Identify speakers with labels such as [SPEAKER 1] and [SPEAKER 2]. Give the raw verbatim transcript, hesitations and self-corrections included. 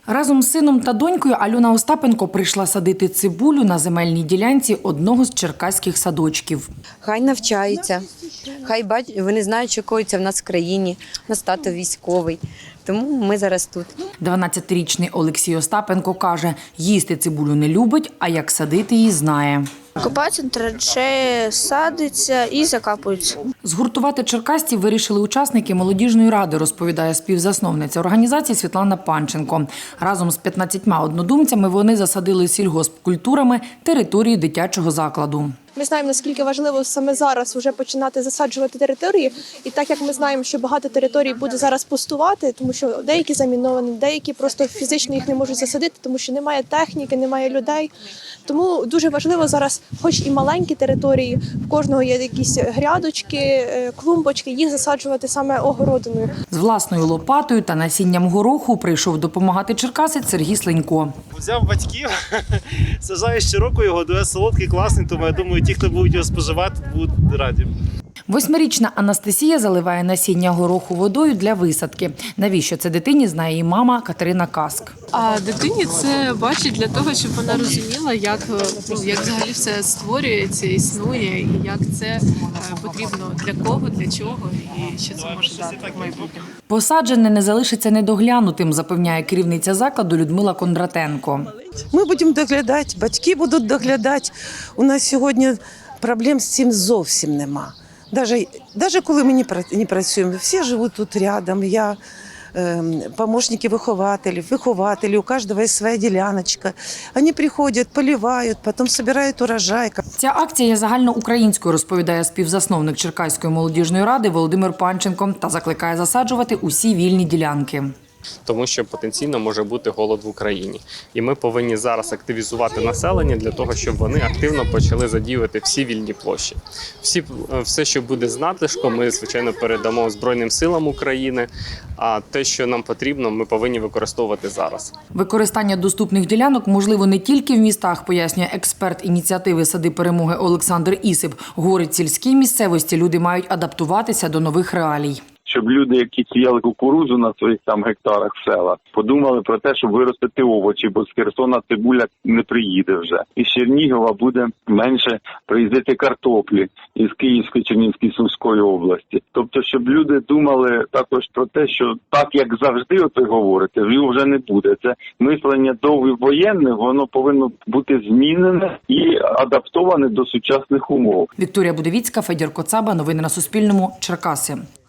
[SPEAKER 1] Разом з сином та донькою Альона Остапенко прийшла садити цибулю на земельній ділянці одного з черкаських садочків.
[SPEAKER 2] Хай навчаються, хай бачать, вони знають, що коїться в нас в країні, у нас тато військовий, тому ми зараз тут.
[SPEAKER 1] дванадцятирічний Олексій Остапенко каже, їсти цибулю не любить, а як садити її знає.
[SPEAKER 3] Копаються траншеї, садиться і закапуються.
[SPEAKER 1] Згуртувати черкасців вирішили учасники молодіжної ради, розповідає співзасновниця організації Світлана Панченко. Разом з п'ятнадцятьма однодумцями вони засадили сільгоспкультурами території дитячого закладу.
[SPEAKER 4] Ми знаємо, наскільки важливо саме зараз вже починати засаджувати території. І так як ми знаємо, що багато територій буде зараз пустувати, тому що деякі заміновані, деякі просто фізично їх не можуть засадити, тому що немає техніки, немає людей. Тому дуже важливо зараз, хоч і маленькі території, в кожного є якісь грядочки, клумбочки, їх засаджувати саме огородиною.
[SPEAKER 1] З власною лопатою та насінням гороху прийшов допомагати черкасець Сергій Сленько.
[SPEAKER 5] Взяв батьків, сажаю щороку його, дуже солодкий, класний, тому я думаю, ті, хто будуть його споживати, будуть раді.
[SPEAKER 1] Восьмирічна Анастасія заливає насіння гороху водою для висадки. Навіщо це дитині, знає її мама Катерина Каск.
[SPEAKER 6] А дитині це бачить для того, щоб вона розуміла, як, ну, як взагалі все створюється, існує, і як це потрібно для кого, для чого, і що це може дати в майбутньому.
[SPEAKER 1] Посаджене не залишиться недоглянутим, запевняє керівниця закладу Людмила Кондратенко.
[SPEAKER 7] Ми будемо доглядати, батьки будуть доглядати. У нас сьогодні проблем з цим зовсім нема. Навіть, навіть коли ми не працюємо, всі живуть тут рядом. Я е, помощники вихователів, вихователі, у кожного є своя діляночка. Вони приходять, поливають, потім збирають урожай.
[SPEAKER 1] Ця акція є загальноукраїнською, розповідає співзасновник Черкаської молодіжної ради Володимир Панченко та закликає засаджувати усі вільні ділянки.
[SPEAKER 8] Тому що потенційно може бути голод в Україні. І ми повинні зараз активізувати населення для того, щоб вони активно почали задіювати всі вільні площі. Всі, все, що буде з надлишком, ми, звичайно, передамо Збройним силам України, а те, що нам потрібно, ми повинні використовувати зараз.
[SPEAKER 1] Використання доступних ділянок можливо не тільки в містах, пояснює експерт ініціативи «Сади перемоги» Олександр Ісип. Говорить, в сільській місцевості люди мають адаптуватися до нових реалій.
[SPEAKER 9] Щоб люди, які сіяли кукурудзу на своїх там гектарах в селах, подумали про те, щоб виростити овочі, бо з Херсона цибуля не приїде вже. І з Чернігова буде менше приїздити картоплі із Київської, Чернігівської, Сумської області. Тобто, щоб люди думали також про те, що так, як завжди оце говорите, його вже не буде. Це мислення довговоєнне, воно повинно бути змінене і адаптоване до сучасних умов.
[SPEAKER 1] Вікторія Будовіцька, Федір Коцаба. Новини на Суспільному. Черкаси.